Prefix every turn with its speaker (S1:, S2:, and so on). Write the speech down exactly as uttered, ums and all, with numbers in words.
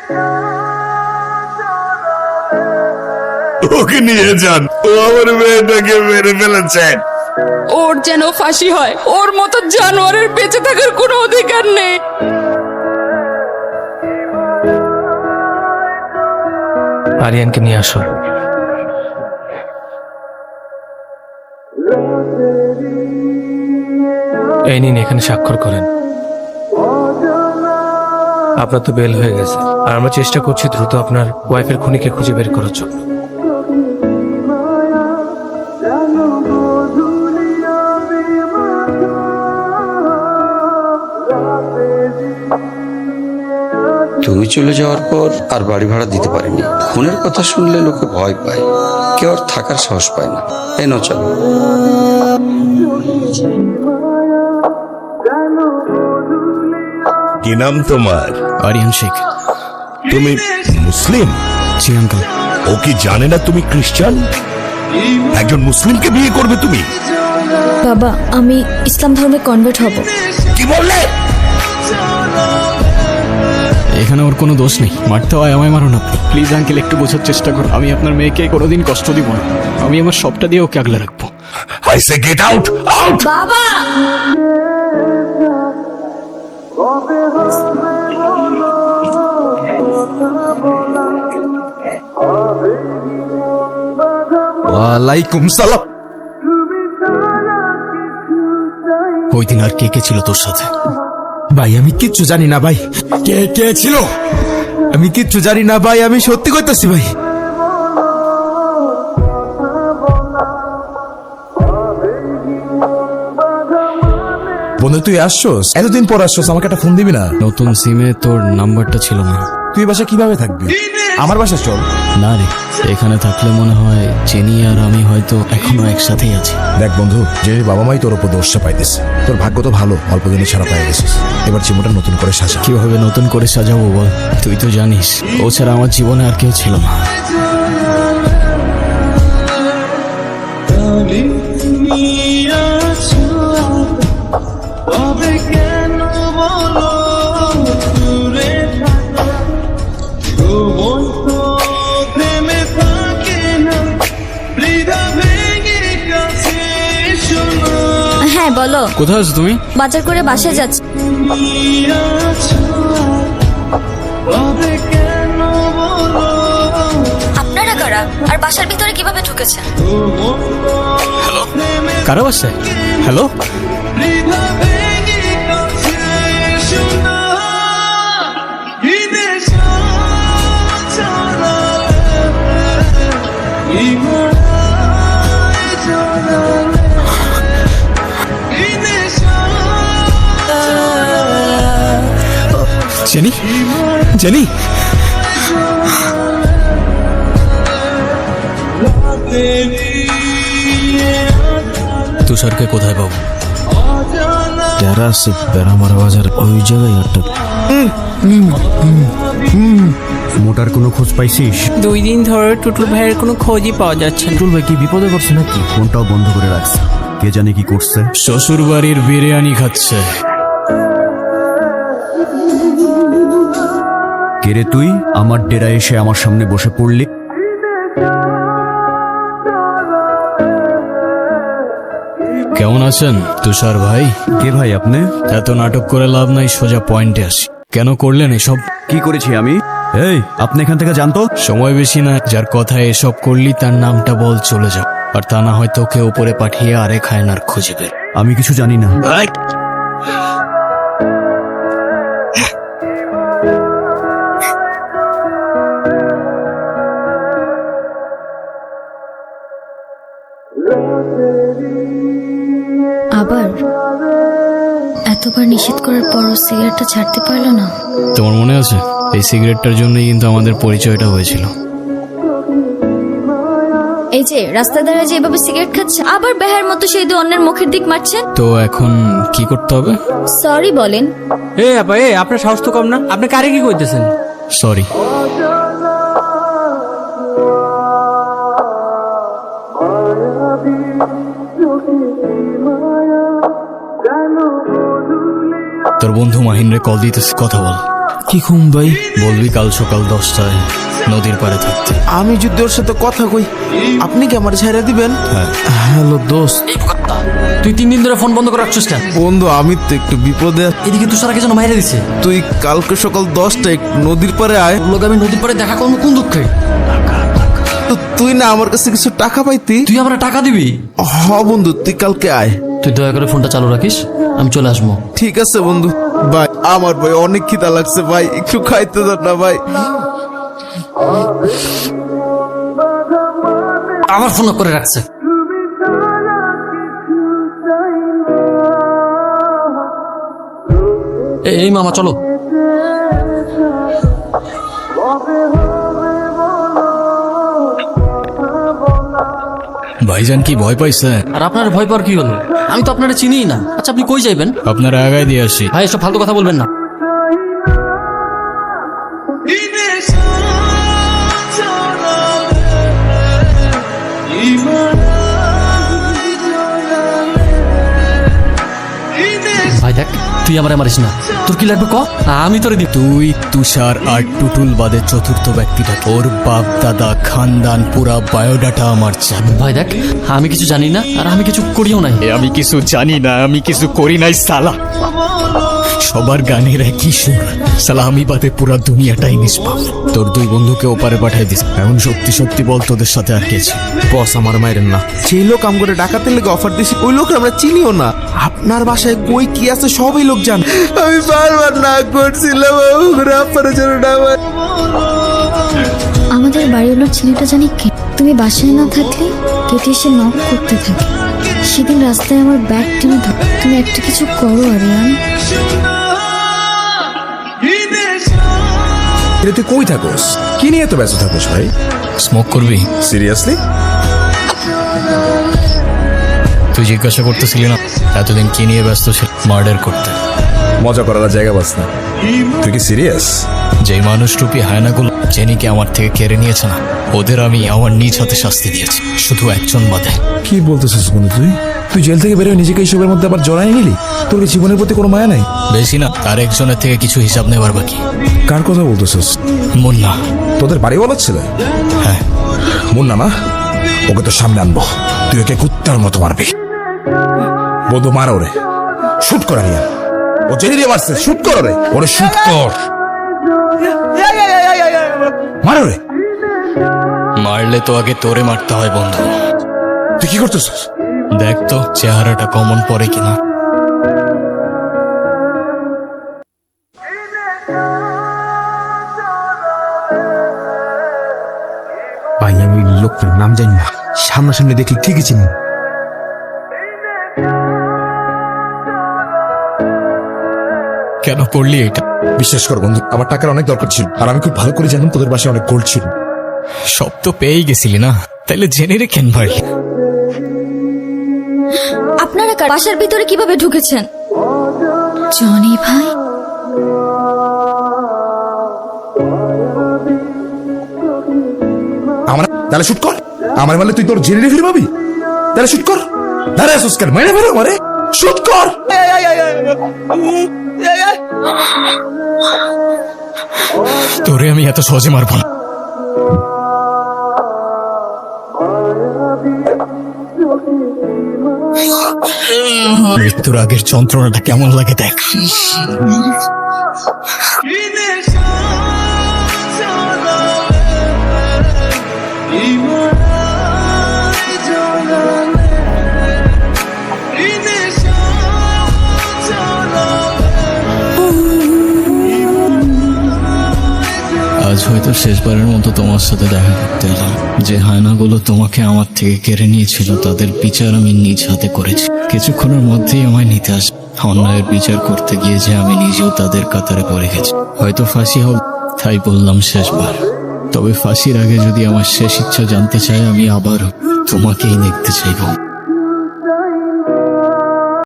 S1: ওকে নিয়ে যান, ও আমার মেয়েটাকে মেরে ফেলেছেন।
S2: ওর যেন ফাঁসি হয়, ওর মতো জানোয়ারের বেঁচে থাকার কোনো অধিকার নেই।
S3: আরিয়ানকে নিয়ে আসো। এই নিন, এখানে স্বাক্ষর করেন। আপনার তো বেল হয়ে গেছে, আর আমরা চেষ্টা করছি দ্রুত আপনার ওয়াইফের খুনিকে খুঁজে বের করার জন্য।
S4: তুমি চলে যাওয়ার পর আর বাড়ি ভাড়া দিতে পারিনি। খুনের কথা শুনলে লোকে ভয় পায়, কেউ আর থাকার সাহস পায় না। এই নাও চলো।
S1: কি নাম তোমার?
S5: আরিয়ান শেখ।
S1: তুমি মুসলিম?
S5: জি আঙ্কেল।
S1: ও কি জানে না তুমি খ্রিস্টান? একজন মুসলিমকে বিয়ে করবে তুমি?
S6: বাবা, আমি ইসলাম ধর্মে কনভার্ট হব।
S1: কি বললে?
S5: এখানে ওর কোনো দোষ নেই, মারতে হয় আমায় মারো না। প্লিজ আঙ্কেল, একটু বোঝার চেষ্টা করো। আমি আপনার মেয়েকে কোনোদিন কষ্ট দিব না। আমি আমার সবটা দিয়ে ওকে আগলে রাখবো।
S1: I say get out, out!
S6: বাবা,
S7: ওয়ালাইকুম সালাম।
S5: ওই দিন আর কে কে ছিল তোর সাথে?
S7: ভাই আমি কিচ্ছু জানি না ভাই, কে কে ছিল আমি কিচ্ছু জানি না ভাই, আমি সত্যি কইতাছি ভাই। বন্ধু তুই আসছস, এতদিন পর আসছস, আমাকে একটা ফোন দিবি না?
S5: নতুন সিমে তোর নাম্বারটা ছিল না।
S7: তুই বাসা কিভাবে থাকবি? আমার বাসা চল।
S5: না রে, এখানে থাকলে মনে হয় চেনি আর আমি হয়তো এখনো একসাথেই আছি।
S7: দেখ বন্ধু, যে বাবা মাই তোর উপর দোষটা পাইতেছে, তোর ভাগ্য তো ভালো, অল্প দিনে ছাড়া পাই গেছিস। এবার জীবনটা নতুন করে সাজা।
S5: কিভাবে নতুন করে সাজাবো বল? তুই তো জানিস ও ছাড়া আমার জীবনে আর কেউ ছিল না।
S6: হ্যাঁ বলো।
S5: কোথায় আছো তুমি?
S6: বাজার করে বাসায় যাচ্ছি। আপনারা কারা আর বাসার ভিতরে কিভাবে ঢুকেছেন?
S5: কারো বাসায়? হ্যালো, জেনি, জেনি, তুষারকে কোথায় পাবো?
S8: টেরাস বেড়ামারা বাজার ওই জায়গায় একটা। মোটার কোনো খোঁজ পাইছিস?
S9: দুই দিন ধরে টুটুল ভাইয়ের কোনো খোঁজই পাওয়া যাচ্ছে না।
S8: টুটুল ভাই কি বিপদে পড়ছে নাকি? ফোনটাও বন্ধ করে রাখছে, কে জানে কি করছে।
S5: শ্বশুর বাড়ির বিরিয়ানি খাচ্ছে।
S8: কে রে তুই? আমার ডেরা এসে আমার সামনে বসে পড়লি।
S5: কেমন আছেন তুষার ভাই?
S8: কে ভাই আপনি?
S5: এত নাটক করে লাভ নাই, সোজা পয়েন্টে আসি। কেন করলেন এসব?
S8: কি করেছি আমি? এই আপনি এখান থেকে জানতো।
S5: সময় বেশি না, যার কথায় এসব করলি তার নামটা বল, চলে যাও। আর তা না হয়তো ওকে উপরে পাঠিয়ে আরেক হায়নার খুঁজে বের।
S8: আমি কিছু জানি না।
S6: আবার এতবার নিষেধ করার পরও সিগারেটটা ছাড়তে পারলো না।
S5: তোমার মনে আছে এই সিগারেটটার জন্যই কিন্তু আমাদের পরিচয়টা হয়েছিল।
S6: এই যে রাস্তায় দাঁড়িয়ে যে এভাবে সিগারেট খাচ্ছে, আবার বেহার মতো সেই দু অন্যের মুখের দিক মারছেন।
S5: তো এখন কি করতে হবে?
S6: সরি বলেন।
S9: এ আপা, এ আপনার সাহস তো কম না, আপনি কারে কি করতেছেন?
S5: সরি। তোর বন্ধু মাহিন্দ্রে কল দিতেছে, কথা বল।
S8: কি খুম ভাই?
S5: বলবি কাল সকাল দশটায় নদীর পাড়ে থাকতে।
S7: আমি যদি ওর সাথে কথা কই, আপনি কি আমার ছেড়ে দিবেন? হ্যালো দোস্ত।
S9: তুই তিন দিন ধরে ফোন বন্ধ করে রাখছিস কেন?
S7: বন্ধু আমি তো একটু বিপদে আছি।
S9: এদিকে তুষার আগে যেন মাইরে দিছে।
S7: তুই কালকে সকাল দশটায় নদীর পাড়ে আয়।
S9: লোক আমি নদীর পাড়ে দেখা করবো কোন দুঃখে?
S7: তো তুই না আমার কাছে কিছু টাকা পাইতি।
S9: তুই আমার টাকা দিবি?
S7: হ বন্ধু, তুই কালকে আয়।
S9: তুই দয়া করে ফোনটা চালু রাখিস, আমি চলে আসবো।
S7: ঠিক আছে বন্ধু। ভাই আমার ভাই অনেক খিদা লাগছে ভাই, একটু খাইতে দাও না ভাই।
S9: আবার ফোন করে রাখছে। এ- এই মামা চলো।
S5: ভাইজান কি ভয় পাইছে?
S9: আর আপনার ভয় পাওয়ার কি হলো? আমি তো আপনারা চিনিই না। আচ্ছা আপনি কই যাইবেন?
S5: আপনারা আগায় দিয়ে আসি।
S9: ভাই এসব ফালতু কথা বলবেন না। ভাই দেখ, তুই আমার মারিস না। তোর কি লাগবে ক, আমি তোরে দিব।
S5: তুই, তুষার আর টুটুল বাদে চতুর্থ ব্যক্তিটা। ওর বাপ দাদা খানদান পুরা বায়োডাটা আমার চাই।
S9: ভাই দেখ, আমি কিছু জানি না আর আমি কিছু করিও নাই।
S5: এ আমি কিছু জানি না, আমি কিছু করি নাই সালা। সবার গানের একই সুর, সালা আমি বাদে পুরা দুনিয়াটাই নিষ্পাপ। তোর দুই বন্ধুকে ওপারে পাঠিয়ে দিস। এখন সত্যি সত্যি বল তোদের সাথে আর কে আছে?
S7: বস আমার মাইরেন না। সেই লোক আম করে ডাকাতের লেগে অফার দিছি, ওই লোক আমরা চিনিও না। আপনার বাসায় কই কি আছে সবই লোক জানে। আমি বারবার না করছিলাম আপনার জন্য না।
S6: আমাদের বাড়িওয়ালার ছেলেটা জানি কে। তুমি বাসায় না থাকলে কেটে এসে নক করতে থাকে। সেদিন রাস্তায় আমার ব্যাগ টেনে ধর। তুমি একটা কিছু করো আরিয়ান।
S1: এটা তুই কই থাকোস? কি নিয়ে এত ব্যস্ত থাকোস ভাই?
S5: স্মোক করবি?
S1: সিরিয়াসলি?
S5: তুই জিজ্ঞাসা করতেছিলি না এতদিন কি নিয়ে ব্যস্ত ছিল? মার্ডার করতে।
S1: মজা করার জায়গা বাস না। তুই কি সিরিয়াস?
S5: যেই মানুষরূপী হায়নাগুলো জেনিকে আমার থেকে কেড়ে নিয়েছে না, ওদের আমি আমার নিজ হাতে শাস্তি দিয়েছি, শুধু একজন বাদে।
S1: কি বলতেছিস বন্ধু তুই? তুই জেল থেকে বেরোয় নিজেকে এইসবের মধ্যে আবার জড়াই নিলি? তোর কি জীবনের প্রতি কোনো মায়া নাই?
S5: বেশি না, তার একজনের থেকে কিছু হিসাব নেবার বাকি।
S1: কার কথা বলতেছিস?
S5: মুন্না।
S1: তোদের বাড়ি বলার ছিল?
S5: হ্যাঁ।
S1: মুন্না না, ওকে তো সামনে আনবো। তুই ওকে কুত্তার মতো মারবি। বন্ধু মার ওরে, শুট করা নিয়ে। ও জেনে দিয়ে মারছে, শুট কর রে, ওরে শুট কর। মার ওরে।
S5: মারলে তো আগে তোরে মারতে হয় বন্ধু।
S1: তুই কি করতেছিস?
S5: দেখ তো চেহারাটা কমন পড়ে কিনা।
S7: ভাই আমি লোকটার নাম জানি না, সামনাসামনি দেখি ঠিকই চিনি।
S5: কেন করলি এটা?
S1: বিশ্বাস কর বন্ধু, আমার টাকার অনেক দরকার ছিল, আর আমি খুব ভালো করে জানতাম তোদের বাসায় অনেক গোল্ড ছিল।
S5: সব তো পেয়েই গেছিলি না, তাইলে জেনে রে কেন মারলি?
S6: আপনারা কার বাসার ভিতরে কিভাবে ঢুকেছেন? জনি ভাই,
S1: আমার তাহলে শুট কর। আমার মানে তুই তোর জেনে ফিরে পাবি? তাহলে শুট কর। দাঁড়া আসুস কেন? মেরে ফেরো আমারে, শুট কর।
S5: তোরে আমি এত সহজে মারবো না। মৃত্যুর আগের যন্ত্রণাটা কেমন লাগে দেখ। আজ হয়তো শেষবারের মতো তোমার সাথে দেখা করতে এলাম। যে হায়নাগুলো তোমাকে আমার থেকে কেড়ে নিয়েছিল তাদের বিচার আমি নিজ হাতে করেছি। কিছুক্ষণের মধ্যেই আমায় নিতে আস। অন্যায়ের বিচার করতে গিয়ে যে আমি নিজেও তাদের কাতারে পড়ে গেছি। হয়তো ফাঁসি হোক, তাই বললাম শেষবার। তবে ফাঁসির আগে যদি আমার শেষ ইচ্ছা জানতে চাই, আমি আবারও তোমাকেই দেখতে চাইব।